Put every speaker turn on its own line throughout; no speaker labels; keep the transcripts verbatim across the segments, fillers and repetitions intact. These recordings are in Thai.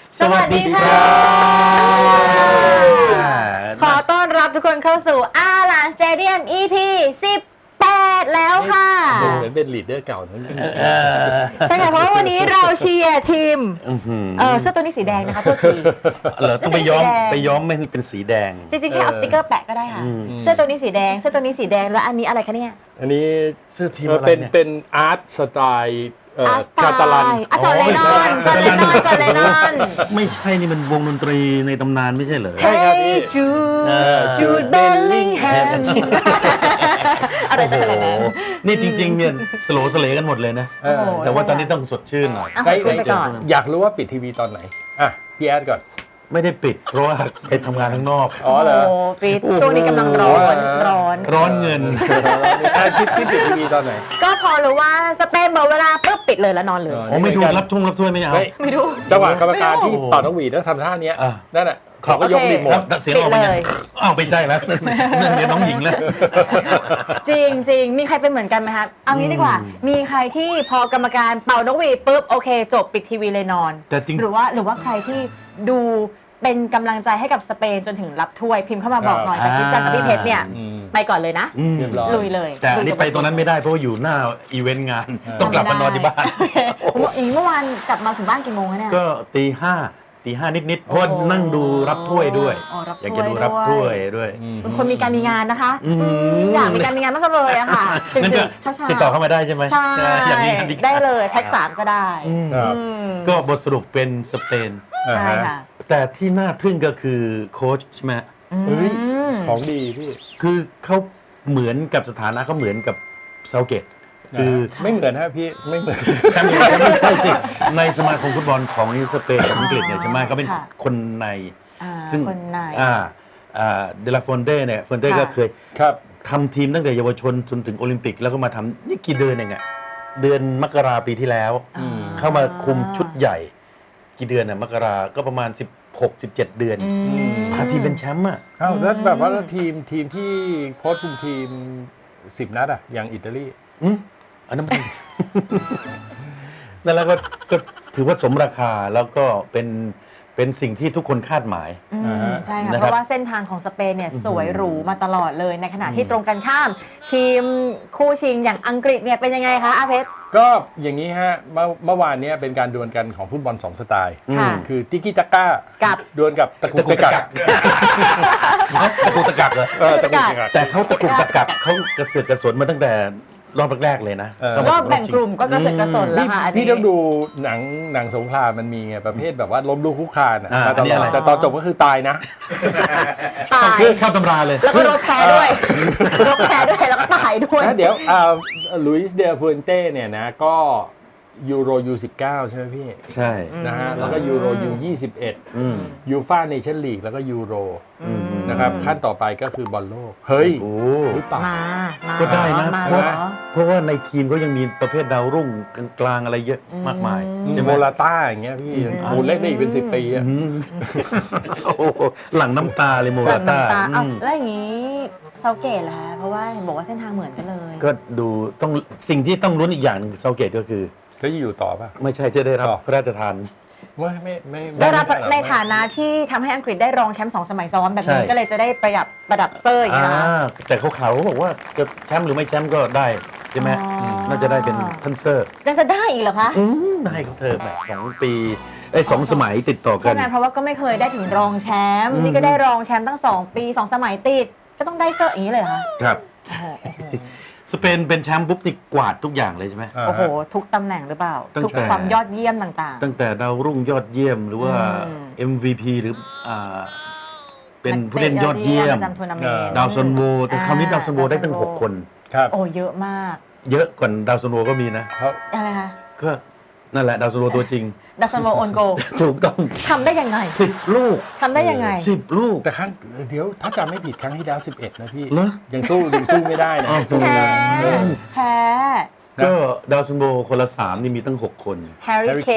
สวัสดีค่ะขอต้อนรับทุกคนเข้าสู่อาหลานสเตเดียม อี พี สิบแปดแล้วค่ะ
เหมือนเป็นลีดเดอร์เก่าทั้งนั้น
ใช่ค่ะเพราะว่าวันนี้เราเชียร์ทีมเออเสื้อตัวนี้สีแดงนะคะโทษที
เหรอต้องไปย้อมไปย้อมมันเป็นสีแดง
จริงๆแค่เอาสติ๊กเกอร์แปะก็ได้ค่ะเสื้อตัวนี้สีแดงเสื้อตัวนี้สีแดงแล้วอันนี้อะไรคะเนี่ย
อันนี้
เสื้อทีมอะไร
เป็น
เนี่ย
เป็นอาร์ตสไตล์
อาร์ตสไตล์
กาตาลัน
อ่ะจอร์เลนอนจอร์เลนอนจอร์เลนอน
ไม่ใช่นี่มันวงดนตรีในตำนานไม่ใช่เหรอ
ใช่ครับพี่
จูจูดเบลลิงแฮมอะไรจะขนาดนั้น
นี่จริงๆเนี่ยสโลสเลกันหมดเลยนะแต่ว่าตอนนี้ต้องสดชื่นหน่อย
ได้ไปก่อน
อยากรู้ว่าปิดทีวีตอนไหนอ่ะพี่แอดก่อน
ไม่ได้ปิดเพราะว่าไปทำงานข้างนอก
อ๋อเหรอ
ปิดช่วงนี้กำลังร้อนร้อน
ร้อนเงิน
พี่พี่ปิดทีวีตอนไหน
ก็พอรู้ว่าสเปนบอกเวลาปุ๊บปิดเลยแล้วนอนเลย
โอ้ไม่ดูรับทุ่งรับถ้วยไม่เอา
ไม่ดู
จังหวะกรรมการที่ต่อนกหวีดแล้วทำท่านี้นั่นแหละเขาก็ยกรีโมท
เสียงออกมาอ้าวไม่ใช่แล้วนั่นเดี๋ยวน้องหญิงแล้ว
จริงจริงมีใครเป็นเหมือนกันไหมคะเอางี้ดีกว่ามีใครที่พอกรรมการเป่านกหวีดปุ๊บโอเคจบปิดทีวีเลยนอน
แต่จริง
หรือว่าหรือว่าใครที่ดูเป็นกำลังใจให้กับสเปนจนถึงรับถ้วยพิมพ์เข้ามาบอกหน่อยแต่คิดจังกับพี่เพชรเนี่ยไปก่อนเลยนะลุยเลย
แต่อันนี้ไปตรงนั้นไม่ได้เพราะว่าอยู่หน้าอีเวนต์งานต้องกลับมานอนที่บ้าน
อีกเมื่อวานกลับมาถึงบ้านกี่โมงคะเนี่ย
ก็ตีห้าตีห้านิดๆเพราะนั่งดูรับถ้วยด้วยอยากจะดูรับถ้วยด้วย
เป็นคนมีการมีงานนะคะอยากมีการมีงานมากเลยอะค่ะ
ติดต่อเข้ามาได้ใช่ไหม
ใช่ได้เลยแท็กสามก็ได้
ก็บทสรุปเป็นสเปน
ใช่ค่ะ
แต่ที่น่าทึ่งก็คือโค้ชใช่ไหม
เฮ้ยของดีพี่
คือเขาเหมือนกับสถานะเขาเหมือนกับเซาเกตคือ
ไม่เหมือนฮะพี่ไม่เหมือน
ใช่ไม่ใช่สิในสมาคมฟุตบอลของสเปนกับอังกฤษเนี่ยใช่ไหมเขาเป็นคนใน
ซึ่งคนใน
อ่าอ่าเดลาฟอนเต้เนี่ยฟอนเต้ก็เคยทำทีมตั้งแต่เยาวชนจนถึงโอลิมปิกแล้วก็มาทำนี่กี่เดือนเองอะเดือนมกราปีที่แล้วเข้ามาคุมชุดใหญ่กี่เดือนอะมกราก็ประมาณสิบหก สิบเจ็ดเดือนพาทีมเป็นแชมป์อ่ะ
อ้าวแล้วแบบว่าทีมทีมที่โค้ชคุมทีมสิบนัดอ่ะอย่างอิตาลี
อืมอันนั้นเป็นนั่นแล้วก็ก็ถือว่าสมราคาแล้วก็เป็นเป็นสิ่งที่ทุกคนคาดหมาย
ใช่ค่ะเพราะว่าเส้นทางของสเปนเนี่ยสวยหรูมาตลอดเลยในขณะที่ตรงกันข้ามทีมคู่ชิงอย่างอังกฤษเนี่ยเป็นยังไงคะอาเพชร
ก็อย่างนี้ฮะเมื่อเมื่อวานนี้เป็นการดวลกันของฟุตบอลสองสไตล์คือติกิตาก้า
กับ
ดวลกับตะกุกตะกัก
ตะกุกตะกักเหรอ
ตะกุกตะกัก
แต่เขาตะกุกตะกักเขากระเสือกกระสนมาตั้งแต่รอบแรกๆเลยนะ
รอบแบ่งกลุ่มก็กระเสือกกระสนแล้วค่ะ
พี่ต้องดูหนังหนังสงครามมันมีไงประเภทแบบว่าล้มลุกคุกคานแต่ตอนจบก็คือตายนะ
ตาย
เข้าตำราเลย
แล้วก็รบแพ้ด้วยรบแพ้ด้วยแล้วก็ตายด้วย
เดี๋ยวลุยส์เดฟูนเต้เนี่ยนะก็ยูโร ยู สิบเก้า ใช่ไหมพี่
ใช่
นะฮะแล้วก็ยูโร ยู ยี่สิบเอ็ดยูฟ่าเนชั่นลีกแล้วก็ยูโรนะครับขั้นต่อไปก็คือบอลโลกเฮ้ย
โอ้
มา
ก็ได้นะเพราะเพราะว่าในทีมก็ยังมีประเภทดาวรุ่งกลางอะไรเยอะมากมาย
ใช่โมราต้าอย่างเงี้ยพี่คูณเล่นได้อีกเป็นสิบปีอ่ะ
หลังน้ำตาเลยโมราต้า
แล้วอย่างนี้เซาเกตล่ะเพราะว่าบอกว่าเส้นทางเหมือนกันเลย
ก็ดูต้องสิ่งที่ต้องลุ้นอีกอย่างนึงเซาเกตก็คือ
ก็อยู่ต่อป่ะ
ไม่ใช่จะได้รับพระราชทาน
ไม่ไม่ไม่
ได้รับในฐานะที่ทำให้อังกฤษได้รองแชมป์สองสมัยซ้อนแบบนี้ก็เลยจะได้ประดับประดับเซอร์อย่างนี้นะ
แต่เขาเขาบอกว่าจะแชมป์หรือไม่แชมป์ก็ได้ใช่ไหมน่าจะได้เป็นทันเซอร์
ยังจะได้อีกเหรอคะ
ได้เขาเธอแบบสองปีไอ้สองสมัยติดต่อกัน
ใช่ไหมเพราะว่าก็ไม่เคยได้ถึงรองแชมป์นี่ก็ได้รองแชมป์ตั้งสองปีสองสมัยติดก็ต้องได้เซอร์อย่างนี้เลยเหรอคะ
ครับสเปนเป็นแชมป์ปุ๊บนี่กวาดทุกอย่างเลยใช่ไหม
โอ้โหทุกตำแหน่งหรือเปล่าทุกความยอดเยี่ยมต่าง
ๆตั้งแต่ดาวรุ่งยอดเยี่ยมหรือว่า เอ็ม วี พี หรือเป็นผู้เล่นยอดเยี่ยมดาวซันโวแต่คราวนี้ดาวซันโวได้ตั้งหกคน
โอ้เยอะมาก
เยอะกว่าดาวซันโวก็มีนะ
อะไรคะ
ก็นั่นแหละดาวซันโวตัวจริง
ดาวซันโวโอนโก
ถูกต้อง
ทำได้ยังไง
สิบลูก
ทำได้ยังไง
สิบลูก
แต่ครั้งเดี๋ยวถ้าจำไม่ผิดครั้งที่แล้วสิบเอ็ดนะพี่ยังสู้ยังสู้ไม่ได้นะ
แพ้แพ้
ก็ดาวซันโบคนละสามนี่มีตั้งหกคน
แฮร์รี่เคน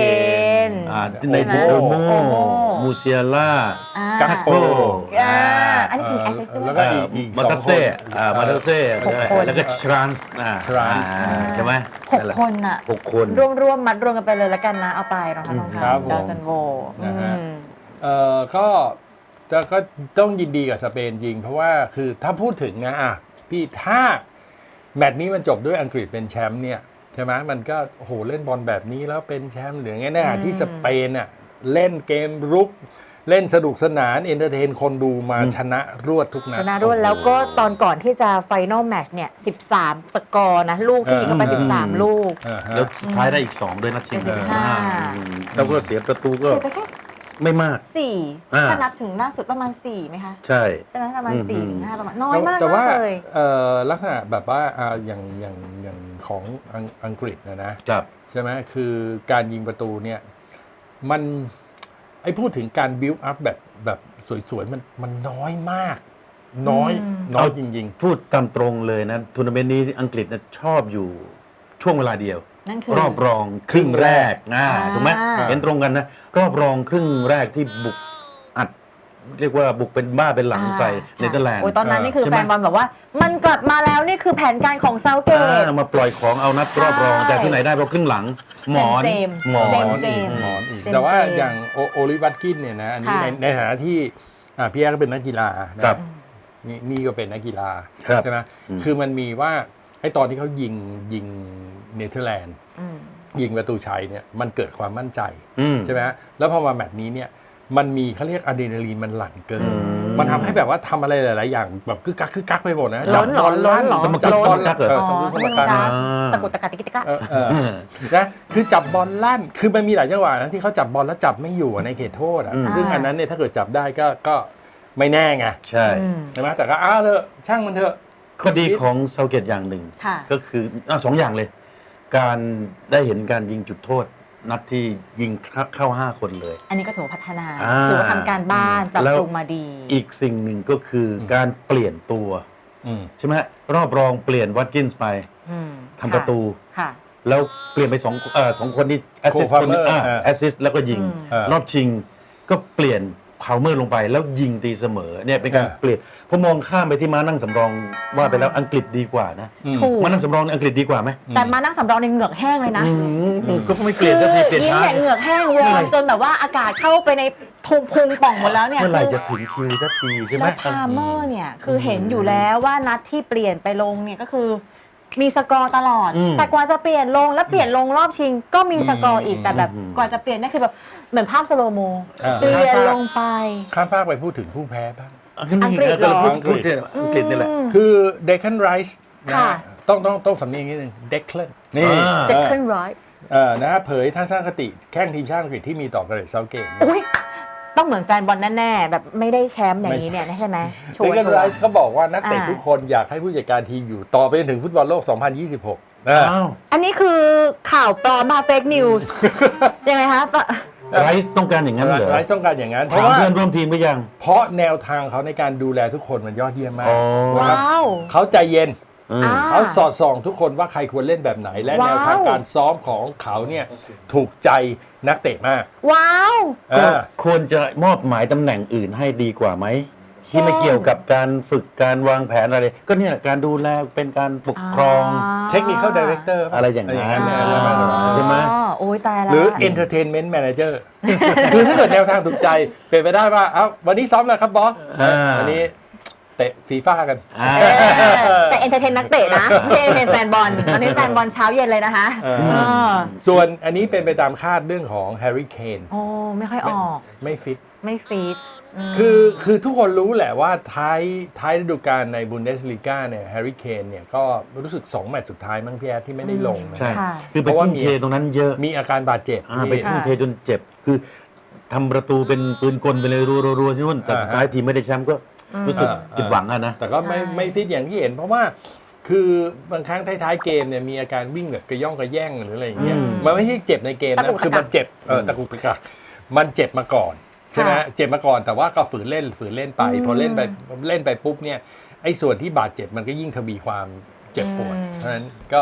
อ่าในทีโอโมมูเซียล่า
กัปโป
อ่าอันนี้ทีมแอสซิสด้วย
แล้วก็อีกอีก
มา
สอ
ตาง
ค
เซ่
น
อ่ามาตาเซ่
หกคน
แล้วก็ทรานส์อ่า
Trans
อ่าใช่ไหม
หกคนอ่ะ
หกคน
รวมรวมๆมัดรวมกันไปเลยละกันนะ เอาไปรองเท้ารอง
ครั
เท้า
บผม
ดาวซันโว
นะฮะ
อืม
เอ่อก็จะก็ต้องยินดีกับสเปนจริง เพราะว่าคือถ้าพูดถึงนะอ่ะพี่ถ้าแมตช์นี้มันจบด้วยอังกฤษเป็นแชมป์เนี่ยใช่ไหมมันก็โอ้โหเล่นบอลแบบนี้แล้วเป็นแชมป์หรือไงแน่ที่สเปนอ่ะเล่นเกมรุก เล่นสนุกสนานเอนเตอร์เทนคนดูมาชนะรวดทุกนั
ช
ด
นะด้วยแล้วก็ตอนก่อนที่จะไฟนอลแมตช์เนี่ยสิบสามสกอร์นะ ลูกที่ยิงเข้าไป
อืม
สิบสาม ลูก
อ่าฮะ
แล้วสุดท้ายได้อีกสองด้วยนัดชิง
เป็นสิบห้า
อืมแล้วก็เสียประตูก็
เสียไปแค่
ไม่มาก
สี่
อ่า
ถ้านับถึงล่าสุดประมาณสี่ไหมคะ
ใช่
ใช่ไหมประมาณ
อืม
สี่
อืม
ห้าประมาณน้อยมาก
แต่ว่า
มากเลย
เอ่อลักษณะแบบว่าอ่าอย่างอย่างอย่างของอังอังกฤษนะนะครับ ใช่ไหมคือการยิงประตูเนี่ยมันไอ้พูดถึงการบิวอัพแบบแบบสวยๆมันมันน้อยมาก น้อย
อืม
น้อยจริง
พูดตามตรงเลยนะทัวร์นาเมนต์นี้อังกฤษนะชอบอยู่ช่วงเวลาเดียว
นั่นคือ
รอบรองครึ่งแรกอ่า
อ่า
ถูกไหมเห็นตรงกันนะ รอบรองครึ่งแรกที่บุกอัด เรียกว่าบุกเป็นบ้าเป็นหลังใส่เนเธอร์แลนด์
โอ้ยตอนนั้นนี่คือ
ใช่ไห
แฟ
ม
นบอลบอกว่า มันกลับมาแล้วนี่คือแผนการของเซาเกต
อ่ามาปล่อยของเอานัดรอบรอง
ใช่
แต่ที่ไหนได้พอครึ่งหลัง หมอน
เซม
หมอ
เซม
น
เซม
หมอนอีก
เซม
แต่ว่า
เซม
อย่างโอโอลิวัตกินเนี่ยนะอันนี้
ค่ะ
ในในฐานะที่อ่าพี่แอ๊ก็เป็นนักกีฬานะครับ นี่นี่ก็เป็นนักกีฬา
ครับ
ใช่ไหม
อืม
คือมันมีว่าไอ้ตอนที่เขายิงยิงเนเธอร์แลนด์
อืม
ยิงประตูชัยเนี่ยมันเกิดความมั่นใจ
อืม
ใช่ไหมแล้วพอมาแมตช์นี้เนี่ยมันมีเขาเรียกอะดรีนาลีนมันหลั่งเกิน
อืม
มันทำให้แบบว่าทำอะไรหลาย ๆ อย่างแบบกึกกักกึกกักไปหมดนะ
ล้นเหรอ
จับบล
ล้นเหรอ
สม
สมกั
กั
ด
ดบอล
สมกัดเหรอ
เออสมกัดสมกัด
อ๋อ
อ่า
ตะกุกตะกักติกติกะ
เออเออนะคือจับบอลลั่นคือมันมีหลายจังหวะนะที่เขาจับบอลแล้วจับไม่อยู่ในเขตโทษอ่ะ
อืม
ซึ่งอันนั้นเนี่ยถ้าเกิดจับได้ก็ก็ไม่แน่ไง
ใช่
อืม
ใช่ไหมแต่ก็อ้าวเถอะช่างมันเถอะ
ข้อดีของเซาเกตอย่างหนึ่ง
ค่ะ
ก็คืออ่ะสองอย่างเลย การได้เห็นการยิงจุดโทษ นัดที่ยิงเข้าห้าคนเลย
อันนี้ก็ถือว่าพัฒนา
อ่า
ถือว่าทำการบ้านปรับ
แล้ว
ปรุงมาดี
อีกสิ่งหนึ่งก็คืออการเปลี่ยนตัว
อืม
ใช่ไหมฮะรอบรองเปลี่ยนวัตกินส์ไป
อืม
ทำประตู
ค่ะ
แล้วเปลี่ยนไปสองเอ่อสองคนที่แอสซิส
Cole
คนหนึ่ง
Palmer เออ
แอสซิสแล้วก็ยิง
อืม
เออ
รอบชิงก็เปลี่ยนพาวเมอร์ลงไป แล้วยิงตีเสมอเนี่ยเป็นการ
เออ
เปลี่ยนพอมองข้ามไปที่มานั่งสำรองว่าไปแล้วอังกฤษดีกว่านะ
อืม
ถูก
มานั่งสำรองในอังกฤษดีกว่าไหม
แต่มานั่งสำรองในเหงือกแห้งเลยนะ
อืมก็ไม่เปลี่ยนสักทีเปลี่ยน
ยิ้ม
ช้า
เนี่ยเหงือกแห้งวอ
เมื่อไหร่
ร์มจนแบบว่าอากาศเข้าไปในทุงพุงป่องหมดแล้วเนี่ย
เมื่อไหร่
คือ
จะถึงคิวสักทีใช่ไหม
แล้วพาเมอร์เนี่ยคือเห็นอยู่แล้วว่านัดที่เปลี่ยนไปลงเนี่ยก็คือมีสกอร์ตลอด
อืม
แต่กว่าจะเปลี่ยนลงแล้วเปลี่ยนลงรอบชิง ก็มีสกอร์อีกแต่แบบ
อืม
กว่าจะเปลี่ยนนั่นคือแบบเหมือนภาพสโลโม
อ่า
เปลี่ยนลงไป
ข้ามฟากไปพูดถึงผู้แพ้บ้าง
อังกฤษเหรอ
ก็เราพูดพูดเนี่ยอังกฤษนี่แหละ
อืม
คือเดคันไรส์นะ
ค่ะ
ฮะต้องต้องต้องสำเนียงนิดนึงเดคเลนนี่
อ่า
เด็กขึ้นร้อย
เออนะฮะเผยทัศนคติแข้งทีมชาติอังกฤษที่มีต่อเกเรตเซาเกต
อุ้ยต้องเหมือนแฟนบอลแน่ๆแบบไม่ได้แชมป์อย่างนี้เนี่ยใช่ไหมชั
เด
วร์
คัน
ชัว
ไร
ร์
ส์เขาบอกว่านักเตะ
อ่า
ทุกคนอยากให้ผู้จัดการทีมอยู่ต่อไปจนถึงฟุตบอลโลก สองพันยี่สิบหกนะ
อ้าว
อันนี้คือข่าวปลอมมาเฟกนิวส์ยังไงคะ
ไรซ์ต้องการอย่างนั้นเหรอ
ไรส์ต้องการอย่างนั้น เพ
ถา
ราะ
ม
ว่า
เพื่อนร่วมทีมก็ยัง
เพราะแนวทางเขาในการดูแลทุกคนมันยอดเยี่ยมมาก
อ๋อ
นะครับ
ว้าว
เขาใจเย็น
อืม
อ่า
เขาสอดส่องทุกคนว่าใครควรเล่นแบบไหน และ
ว้าว
แนวทางการซ้อมของเขาเนี่ยถูกใจนักเตะมาก
ว้าว
ก็
อ่า
ควรจะมอบหมายตำแหน่งอื่นให้ดีกว่าไหม ที่ไม่เกี่ยวกับการฝึกการวางแผนอะไร ก็เนี่ยแหละการดูแลเป็นการปกครอง
เทคนิคเข้าดีเรคเตอร์
อะไรอย่างนั้น
อะไร
อ่า
อย่างนั้น
ใช่ไหม
อ๋อโอ้ยตายแล้ว
หรือ entertainment manager คือถ้าเกิดแนวทางถูกใจ เป็นไปได้ว่าเอ้าวันนี้ซ้อมแล้วครับบอส
อ่า
วันนี้เตะฟีฟ่ากัน
อ่า
เออแต่เอนเตอร์เทนนักเตะนะไม่ใช่เอนเตอร์เทนแฟนบอลตอนนี้แฟนบอลเช้าเย็นเลยนะคะ
เออ
เออ
ส่วนอันนี้เป็นไปตามคาดเรื่องของแฮร์รี่เคน
โอ้ไม่ค่อยออก
ไม่ฟิต
ไม่ฟีดม
คือคือทุกคนรู้แหละว่าท้ายท้ายฤดูกาลในบุนเดสลีกาเนี่ยแฮร์รี่เคนเนี่ยก็รู้สึกสองแมตช์สุดท้ายมั้งพี่แอดที่ไม่ได้ลงนะ
ใช่
ค่ะ
คือไป
เพราะว่า
ทุ่ม
มี
เทตรงนั้นเยอะ
มีอาการบาดเจ็บ
อ่า
ที่
ไปทุ่มเทจนเจ็บ คือทำประตูเป็นปืนกลไปเลยรัวๆๆที่นู่นแต่สุดท้ายทีมไม่ได้แชมป์ก็รู้สึก
อ่า
ผิดหวังอะนะ
แต่ก็ไม่
ใช่
ไม่ฟิตอย่างที่เห็น เพราะว่าคือบางครั้งท้ายๆเกมเนี่ยมีอาการวิ่งแบบกระย่องกระแย่งหรืออะไรอย่างเงี้ย
อืม
มันไม่ใช่เจ็บในเกม
ตะ
นะ
กุกตะกัก
คือมันเจ็บเออตะกุกตะกักมันเจ็บมาก่อนใช่ไหม
ค่ะ
เจ็บมาก่อนแต่ว่าก็ฝืนเล่นฝืนเล่นไป
อืม
พอเล่นไปเล่นไปปุ๊บเนี่ยไอ้ส่วนที่บาดเจ็บมันก็ยิ่งทวีความเจ็บปวด
อืม
เพราะฉะนั้นก็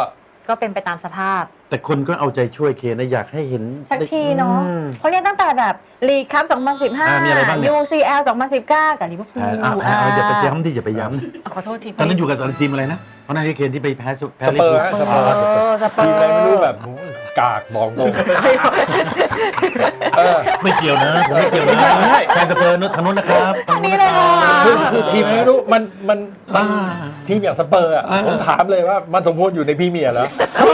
ก็เป็นไปตามสภาพ
แต่คนก็เอาใจช่วยเคนนะอยากให้เห็น
สักทีเนาะ
อืม
เพราะเนี่ยตั้งแต่แบบลีกครับสองพันสิบห้า
อ่ามีอะไรบ้างเนี่ย
ยู ซี แอล สองพันสิบเก้า กับลิเวอร์พูล
อ่าอ่าอ่าเอาอย่าไปย้ำที่อย่าไปย้
ขอโทษที
ำตอนนั้นอยู่กับทีมอะไรนะเพราะนั่นที่เคนที่ไปแพ้สุแพ้
สเปอร์ฮะสเปอร์
สเปอร์
สเปอ
ที
ร์
มอะไรไม่รู้แบบโหกากบอกตรงเออ
ไม่เกี่ยวนะผมไม่เกี่ยวนะ
ไม่ใช่ไม่ใช่
แฟนสเปอร์นู้นทางนู้นนะครับทางนู้นนะครับ
คือคือทีมอะไรไม่รู้มันมันมันทีมอย่างสเปอร์อ่ะผมถามเลยว่ามันสมควรอยู่ในพรีเมียร์เหรอ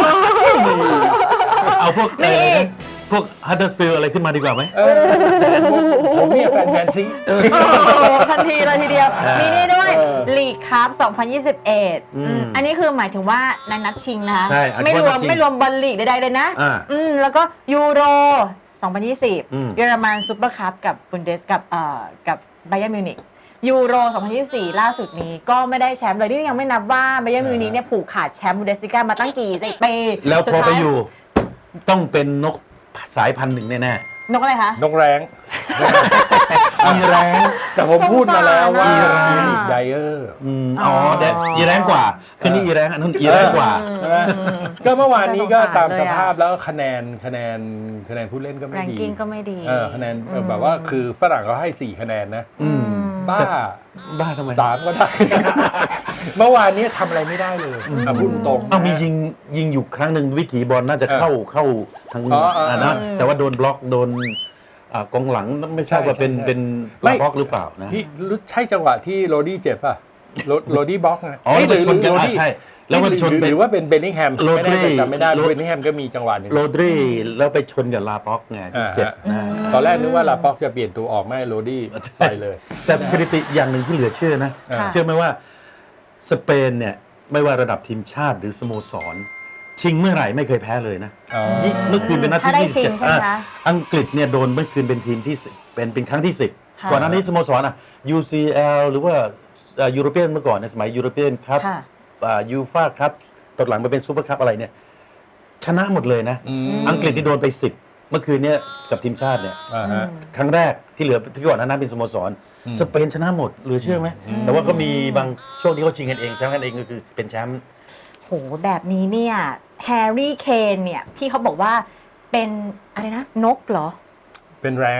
เอาพวกอะไรนะพวกฮัตเตอร์สฟิลอะไรขึ้นมาดีกว่าไหม
เออผมเนี่ยแฟนแมนซี
โอ้ทันทีเลยทีเดียว
อ่ามี
มีนี่ด้วย
เออ
ลีกครับสองพันยี่สิบเอ็ด
อืม
อืมอันนี้คือหมายถึงว่าในนัดชิงนะคะ
ใช่อันนี้
ไม่รว
ว่าม นัดชิง
ไม่รวมบอลลีกใดๆเลยนะ
อ่า
อืมแล้วก็ยูโรสองพันยี่สิบ
อืม
เยอรมันซูเปอร์คัพกับบุนเดสกับเอ่อกับไบเยอร์มิวนิกยูโรสองพันยี่สิบสี่ล่าสุดนี้ก็ไม่ได้แชมป์เลยนี่ยังไม่นับว่าไบเยอร์มิวนิกเนี่ยผูกขาดแชมป์บุนเดสลิก้ามาตั้งกี่สิบปี
แล้วพอไป
สุดท้า
อยู่ ต้องเป็นนกสายพันธุ์หนึ่งแน่
นกอะไรคะ
นกแรง
ๆอีแรง
แต่ผมพูดมาแล้วว่า
สงสารอะ
อีลิกไดเออร์
อืมอ๋อแดดอีแรงกว่าคือนี่อีแรงอันนู้นอีแรงกว่า
ใช่ไหมก็เมื่อวานนี้ก็ตาม
น่าส
ส
งสารเลยอะ
ภาพแล้วคะแนนคะแนนคะแนนผู้เล่นก็ไม่
แรง
ดี
กิ้งก็ไม่ดี
เออคะแนนเออแบบว่าคือฝรั่งเขาให้สี่คะแนนนะ
อืม
บ้า
บ้าทำไม
สามก็ได้ เมื่อวานนี้ทำอะไรไม่ได้เลยอ่ะพูดตรงๆ
เอามียิงยิงอยู่ครั้งหนึ่งวิถีบอลน่าจะเข้าเข้าทาง
อ๋ออ๋ออ่
านะแต่ว่าโดนบล็อกโดนอ่ากองหลังไม่ทราบว่าเป็น
ใช่ใช่
เป็น
ไม่
บล็อกหรือเปล่านะ
พี่รู้ใช่จังหวะที่โรดี้เจ็บป่ะโรโรดี้บล็อกไง
อ๋อแล้วมันชนกัน
หรือ
อ่ะ
โรดี้
ใช่แล้วมันชน
หรือ
ไป
หรือว่าเป็นเบนนิงแฮม
โร
ไม่
ดรี
แน่ใจจำไม่ได้
โร
เบนนิงแฮมก็มีจังหวะหนึ่ง
โรดรีแล้วไปชนกับลาบ็อกไงที่
อ่า
เจ็บ
ฮะ
นะ
ตอนแรกนึกว่าลาป็อกจะเปลี่ยนตัวออกไม่โรดี้ไปเลย
แต่สถิติอย่างหนึ่งที่เหลือเชื่อนะ
ค่ะ
เชื่อไหมว่าสเปนเนี่ยไม่ว่าระดับทีมชาติหรือสโมสร ชิงเมื่อไหร่ไม่เคยแพ้เลยนะ
อ๋อ
ยี่เมื่อคืนเป็นนัด
ถ้าได้
ที่ยี่สิบ
ชิ
เจ็
ง
ด
ใช่ไหมคะ
อ่ะอังกฤษเนี่ยโดนเมื่อคืนเป็นทีมที่สิบเป็นเป็นครั้งที่สิบ
ค่ะ
ก่อนหน้านี้สโมสรอ่ะ ยู ซี แอล หรือว่ายูโรเปียนเมื่อก่อนในสมัยยูโรเปียนครับ
ค่ะ
ยูฟ่าครับตอนหลังมาเป็นซูเปอร์คัพอะไรเนี่ยชนะหมดเลยนะ
อืม
อังกฤษที่โดนไปสิบเมื่อคืนเนี้ยกับทีมชาติเนี่ย
อ่าฮะ
ครั้งแรกที่เหลือที่ก่อนหน้านั้นเป็นสโมสร สเปนชนะหมดเหลือเชื่อไหม แต่ว่าก็มีบางช่วงที่เขาชิงกันเองแชมป์กันเองก็คือเป็นแชมป์
โหแบบนี้เนี่ยแฮร์รี่เคนเนี่ยที่เขาบอกว่าเป็นอะไรนะนกเหรอ
เป็นแรง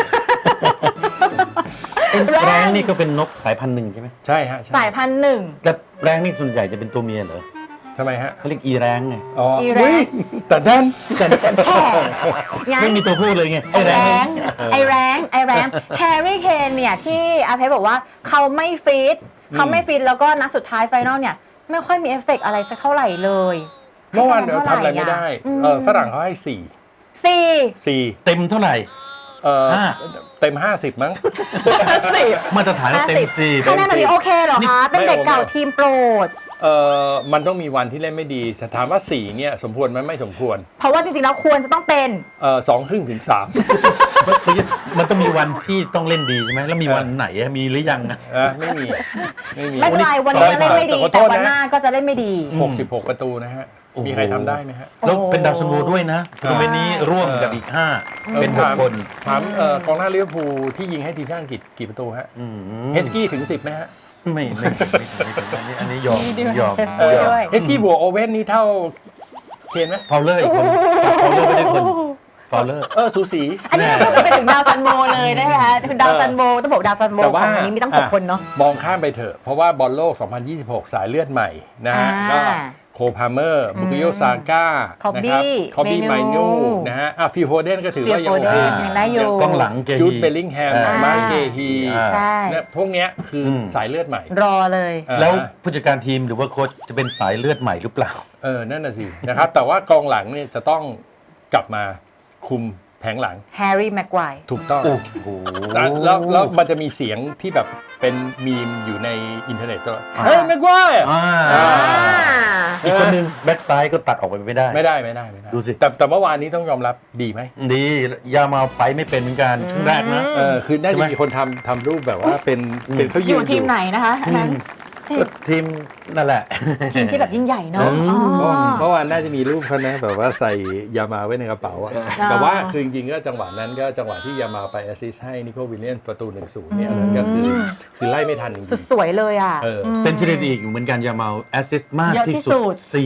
แรง
แรงนี่ก็เป็นนกสายพันธุ์หนึ่งใช่ไหม
ใช่ฮะใช่
สายพันธุ์หนึ่ง
แต่แรงนี่ส่วนใหญ่จะเป็นตัวเมียเหรอ
ทำไมฮะ
เขาเรียกอีแรงไง
อ๋อ
อีแรง
อุ๊ยแต่ด้านแต่ด้าน
แห่งั้น
ไม่มีตัวพูดเลยไง
ไอแรง
นี่
ไอแรงไอแรงแฮร์รี่เคนเนี่ยที่อาเพชรบอกว่าเขาไม่ฟิตเขาไม่ฟิตแล้วก็นัดสุดท้ายไฟนอลเนี่ยไม่ค่อยมีเอฟเฟกต์อะไรสักเท่าไหร่เลย
เมื่อวานเดี๋ยวทำอะไรไม่ได้
อืม
เออฝรั่งเขาให้สี่
สี่
สี่
เต็มเท่าไหร่
เออ
ห้า
เต็มห้าสิบมั้ง
สิบ
มาตรฐานเต็มสี่
คะแนนแบบนี้โอเคเหรอคะ เป็นเด็กเก่าทีมโปรด
เออมันต้องมีวันที่เล่นไม่ดีแต่ถามว่าสี่เนี่ยสมควรไหมไม่สมควร
เพราะว่าจริงๆแล้วควรจะต้องเป็น
เออสองครึ่งถึงสาม
มันต้องมีวันที่ต้องเล่นดีใช่ไหมแล้วมีวันไหนอะมีหรือยังนะ
นะไม่มีไม่มี
ไม่เป็นไรวันนี้จะเล่นไม่ดี
ขอโท
แต่
ษ
วันหน้า
นะ
ก็จะเล่นไม่ดี
หกสิบหกประตูนะฮะ
โอ้โห
มีใครทำได้ไหมฮะ
แล้วเป็นดาวซันโวด้วยนะทัวร์นาเมนต์นี้ร่วมกับอีกห้าเป็นหก
ถาม
คน
ถามเอ่อกองหน้าลิเวอร์พูลที่ยิงให้ทีมชาติอังกฤษกี่ประตูฮะ
อืม
เฮสกี้ถึงสิบไหมฮะ
ไม่ไม่ไม่ไม่ไม่ไม่อันนี้ยอม
มีด้วย
ยอม
เออ
ยอม
ด้วย
เฮสกี้บวกโอเว่นนี่เท่าเคนไหม
ฟาวเลอร์อีกคนจับฟาวเลอร์ไม่ได้คนฟาวเลอร์
เออสูสี
อันนี้ก็คือไปถึงดาวซันโบเลยนะคะคือดาวซันโบต้องบอกดาวซันโบ
แต่
ข
ว่า
องอันนี้มีตั้งหกคนเนาะ
มองข้ามไปเถอะ เพราะว่าบอลโลก สองพันยี่สิบหก สายเลือดใหม่นะฮะ
อ่า
ก็โคพาเมอร์บุกโยซาก้า
คอบบี้
คอบบี้
เม
ไม
นู
นูนะฮะอ่ะฟิลโฟเดนก็ถือว่ายัง
ฟิลโฟ
โอ
เด
เคน
ยังได้อยู่
กล้องหลังเกฮี
จูดเบลลิงแฮม
อ่า
มาร์คเกฮี
อ่า
ใช่
เนี่ยพวกเนี้ยคืออ
ม
สายเลือดใหม่
รอเลย
อ่า
แล้วผู้จัดการทีมหรือว่าโค้ชจะเป็นสายเลือดใหม่หรือเปล่า
เออ นั่นน่ะสิ นะครับ แต่ว่ากองหลังเนี่ยจะต้องกลับมาคุมแผงหลัง
แฮร์รี่แม็กไกวร์
ถูกต้อง
โอ้โห
แล้วแล้วแล้วมันจะมีเสียงที่แบบเป็นมีมอยู่ในอินเทอร์เน็ตก็เฮ้ยไม่กว่า
อ่า
อ่า
อีกคนนึงแบ็กซ้ายก็ตัดออกไปไม่ได้
ไม่ได้ไม่ได้ไม่ได้
ดูสิ
แต่แต่เมื่อวานนี้ต้องยอมรับดีไหม
ดียามาไปไม่เป็นเหมือนกันครึ่งแรกนะ
เออคือน่า
ใช่
จะ
ไหม
มีคนทำทำรูปแบบว่าเป็นเป็นเขา
อ
ยืน
ยู่ทีมไหนนะคะอันนั้น
ก็ทีมนั่นแหละ
ทีมที่แบบยิ่งใหญ่เนาะ
อืม
อ๋อ
เมื่อวานน่าจะมีรูปเขานะแบบว่าใส่ยามาไว้ในกระเป๋าอะแต่ว่าคือจริงๆก็จังหวะนั้นก็จังหวะที่ยามาไปแอสซิสต์ให้นิโคลวิลเลียนประตู หนึ่งศูนย์ เนี่ยอันนั้นก็คือคือไล่ไม่ทันจริง
สุดสวยเลยอ่ะ
ๆเออ
เป็นสถิติอีกเหมือนกันยามาแอสซิสต์มาก
เยอะที่
ที่
สุ
สุ
ด
ดสี่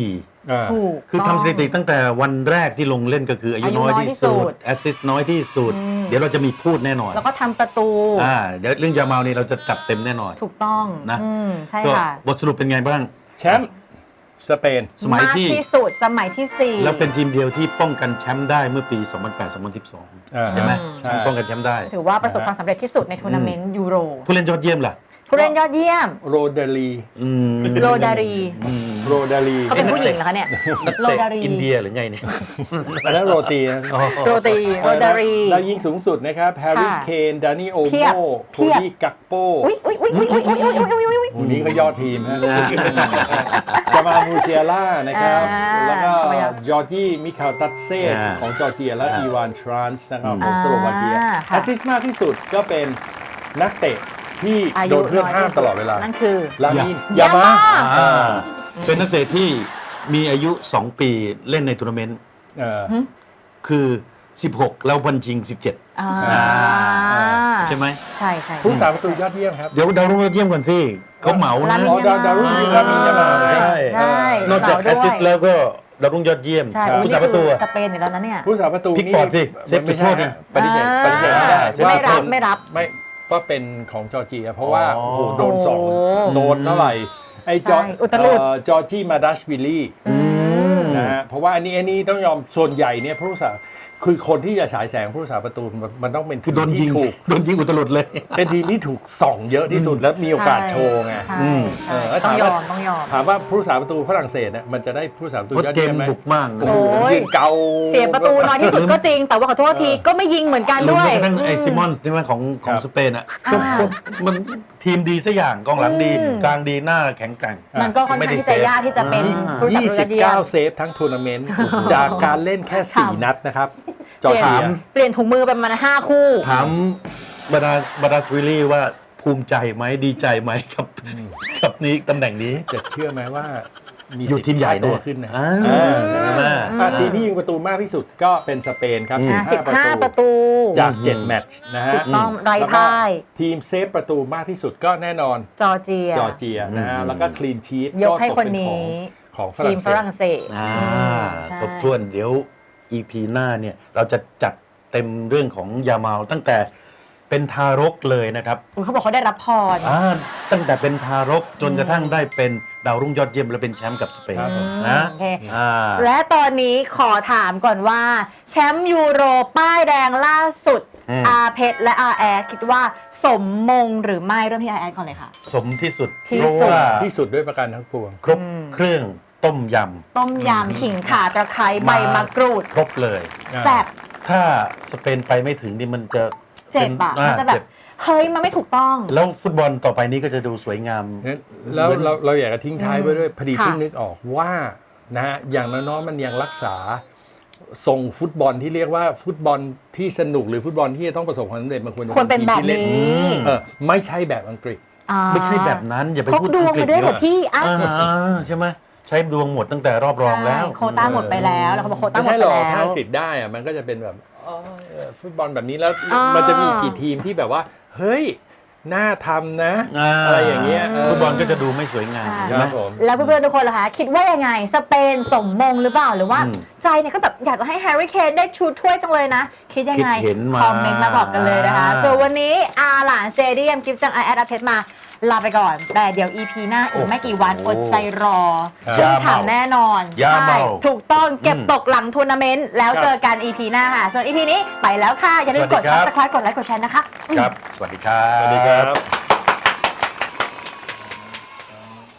อ่า
ถูก
คือ
ต้ง
ทำสถิติตั้งแต่วันแรกที่ลงเล่นก็คืออายุ
อายุ
น้อย
น้อย
ที่
ที่สุ
สุ
ด
ดแอสซิสต์น้อยที่สุด
อืม
เดี๋ยวเราจะมีพูดแน่นอน
แล้วก็ทำประตู
อ่าเดี๋ยวเรื่องยาเมานี่เราจะจัดเต็มแน่นอน
ถูกต้อง
นะ
อืมใช่
ก็
ค่ะ
บทสรุปเป็นไงบ้าง
แชมป์สเปน
สมัย
มาก
ที่
ที่สุดสมัยที่สี่
แล้วเป็นทีมเดียวที่ป้องกันแชมป์ได้เมื่อปี สองพันแปด สองพันสิบสอง
อ่า
ใช่ไหม
ใช่
ป้องกันแชมป์ได้
ถือว่าประสบความสำเร็จที่สุดในทัวร์นาเมนต์ยูโร
ผู้เล่นยอดเยี่ยมล่ะ
ผู้เล่นยอดเยี่ยม
โรเดลี
อืม
โรดารี
โรเดลี
เขาเป็นผู้หญิงเหรอคะเนี่ย
นัก
โร
เตะ
ดารี
อินเดียหรือไงเนี่ย
อันนั้นโรตีนะ
โรตีโรดารี
แล้วยิงสูงสุดนะครับแฮร์รี่
ค่ะ
เคนดานี่โอ
เพี
โม
ยบ
โค
เพียบ
ดี้กักโป
อุ้ยอุ้ยอุ้ยอุ้ยอุ้ยอุ้ยอุ้ยอุ้ยอุ้ยอุ้ย
วันนี้ก็ยอดทีมฮะจามามูเซียล่านะครับ
อ่า
แล้วก็
ทำไมอ่ะ
จอร์จี้มิคาลตัตเซ่
อ่า
ของจอร์เจีย และ
อ่า
อีวานทรานส์นะครับข
อ่า
องสโลวาเกีย
ค่ะ
แอสซิสต์มากที่สุดก็เป็นนักเตะที่
อา
โด
ยุ
นเพื่อน
น้อย
ห้าม
ที่สุ
ตลอดเวลา
นั่นคือ
ลามิน
ยาย
ามา
มา
อ่าเป็นนักเตะที่มีอายุ สอง ปีเล่นในทัวร์นาเมนต์
เออ
คือ สิบหก แล้ววันจริง สิบเจ็ด
อ่า
ใช่ไหม
ใช่ใช่
ผู้สาประตูยอดเยี่ยมครับ
เดี๋ยวดาวรุ่งยอดเยี่ยมก่อนสิเขาเหมา
ลา
นะ
มิน
อ๋อดาวดาวรุ่งยิงลามินยามา
ใช่
ใช่
นอกจาก
เห
แอ
มา
ส
ด้วย
ซิสต์แล้วก็ดาวรุ่งยอดเยี่ยม
ใช่
ครับ
อุ๊ย
ผู้สาประตู
นี่คือสเปนอยู่แล้วนะเนี่ย
ผู้สาประตู
พิกฟอร์ดสิเซฟจุดโทษ
ไม่
นะ
ใช่ปฏิเสธ
อ่า
ปฏิเสธไม่ได้
ไม่รับ
ว่า
ไม่รับ
ไม่ว่าเป็นของจอร์เจีย เพราะว่า
อ๋อ
โอ้โหโดนสอง
โอ้
โดนเท่าไหร่ไอ้จอร์
ใช่อุตลุด
เอ่อจอร์จี้มาดัชวิลลี่
อืม
นะฮะเพราะว่าอันนี้อันนี้ต้องยอมส่วนใหญ่เนี่ยผู้สาคือคนที่จะฉายแสงผู้สาประตูมันมันต้องเป็น
คือโดนยิ
ที่
ง
ถูก
โดนยิงอุตลุดเลย
เป็นทีมที่ถูกส่องเยอะที่สุดและมีโอกาสโชว์ไง
ใช่
อืม
ใช่
เออ
ต้องย
ถาม
อ
ว่า
มต้องยอม
ถามว่าผู้สาประตูฝรั่งเศสเนี่ยมันจะได้ผู้สาประตู
เพราะ
ยอด
เก
เยี่ย
ม
มไหม
บุกมาก
โอ้โห
โอ้ย
ยืนเกา
เสียประตูน้อยที่สุดก็จริง แต่ว่าขอโทษทีก็ไม่ยิงเหมือนกัน
รวม
ด้วย
แม้กระทั่งไอซิมอนส์ใช่ไหมของของสเปนอ่ะก็
อ่า
ก็มันทีมดีสักอย่างกองหลังดี
อืม
กลางดีหน้าแข็งแกร่ง
มันก็ค่อนข้างที่จะยากที่จะเป็นผู้สั
ยี่
บ
สิ
ส
บ
นุนยอ
เก้า
ด
เซฟทั้งทัวร์นาเมนต์ จากการเล่นแค่สี่นัดนะครับ จอร์
เปลี่ยน
เจีย
เปลี่ยนถุงมือไปประมาณห้าคู่
ถามบรรดาบรรดาทวิลลี่ว่าภูมิใจไหมดีใจไหมกับกับนี้ตำแหน่งนี้
จะเชื่อไหมว่ามี
อยู่
สิท
ทีม
ธิ์
ใหญ่
ค่าตัว
แน่
ขึ้นนะ
อ่า
เออ
ใช่ไหม
อ่ะทีมที่ยิงประตูมากที่สุดก็เป็นสเปนครับ
อืม
สิบ
15
ห้า
ป
ประ ระ
ตู
ตู
จาก เจ็ด แมตช์นะฮะ
ถูกต้องไร้
แล้วก็
พ่าย
ทีมเซฟประตูมากที่สุดก็แน่นอน
จอร์เจีย
จอร์เจียนะฮะแล้วก็คลีนชีต
ยกให้คนนี้
ของฝ
ที
รั่
ม
ง
ฝ
เศส
รั่งเศส
อ่า
อืมใช่
ครบถ้วนเดี๋ยว อี พี หน้าเนี่ยเราจะจัดเต็มเรื่องของยาเมาตั้งแต่เป็นทารกเลยนะครับ
อุ๊ยเขาบอกเขาได้รับพร
อ่าตั้งแต่เป็นทารกจนกระทั่งได้เป็นดาวรุ่งยอดเยี่ยมและเป็นแชมป์กับสเปน
ครับผม
นะ
โอเค
อ่า
และตอนนี้ขอถามก่อนว่า แชมป์ยูโรป้ายแดงล่าสุด
อืม
อาเพชรและอาแอดคิดว่าสมมงหรือไม่เริ่มที่อาแอดก่อนเลยค่ะ
สมที่สุด
ที่
เพราะ
สุด
ว่า
ที่สุดด้วยประการทั้งปวง
ครบเครื่องต้มย
ต้มยำขิงข่าตะไคร้ใบมะกรูด
ำครบเลย
อ่า
แซ่บ
ถ้าสเปนไปไม่ถึงนี่มันจะ
เจ็บอะ
อ่า
มันจะแบ
เจ็
บ เฮ้ย มันไม่ถูกต้อง
แล้วฟุตบอลต่อไปนี้ก็จะดูสวยงาม
งั้นแล้วเราเราอยากจะทิ้งท้ายไว้ด้วยพอดี
ค่ะ
เพิ่งนึกออกว่านะฮะอย่างน้อยๆมันยังรักษาทรงฟุตบอลที่เรียกว่าฟุตบอลที่สนุกหรือฟุตบอลที่จะต้องประสบความสำเร็จมันควรจะ
ควรเป็น
ทีม
แบบ
ที่ล่
นี้
เออไม่ใช่แบบอังกฤษ
อ่า
ไม่ใช่แบบนั้นอย่าไป
พก
พูด
ดวง
อังกฤษ
มาด้วยเหรอ
เยอะ
พี่อ่ะ
อ่าใช่ไหมใช้ดวงหมดตั้งแต่รอบรองแล้ว
ใช่โควต้าหมดไปแล้ว แล้วเขาบอกโควต้า
ไม่
หมด
ใช่
ไป
หรอก
แล้
ถ้าว อังกฤษได้อะมันก็จะเป็นแบบอ๋อเออฟุตบอลแบบนี้แล้ว
อ่ามั
มันจะมีกี่ทีมที่แบบว่า เฮ้ยน่าทำนะ
อ่า
อะไรอย่างเงี้ยเ
ฟุตบอลก็จะดูไม่สวยงาม
ใช่
ใช่ไหม
ครับผม
แล้วเพื่อนๆทุกคนล่ะคะคิดว่ายังไง สเปนสมมงหรือเปล่า หรือว่า
อืม
ใจเนี่ยก็แบบอยากจะให้แฮร์รี่เคนได้ชูถ้วยจังเลยนะ คิดยังไง
คิดเห็นมา
คอมเมนต์มาบอกกันเลยนะคะส่วนวันนี้อาหลานสเตเดียมกิฟต์จังไอแอดอาเพชรมาลาไปก่อน แต่เดี๋ยว อี พี หน้าอีกไม่กี่วันอดใจรอ
ครับ
ชุ่มฉ่ำแน่นอน
ยาเมา
ใช่ถูกต้องเก็บ
อืม
ตกหลังทัวร์นาเมนต์แล้ว
ครับ
เจอกัน อี พี หน้าค่ะ ส่วน อี พี นี้ไปแล้วค่ะ อย่าลืมกด
สวัสดีครับ
ซับสไครต์กดไลค์กดแชร์นะคะ
ครับ สวัสดีครับ
สวัสดีครับ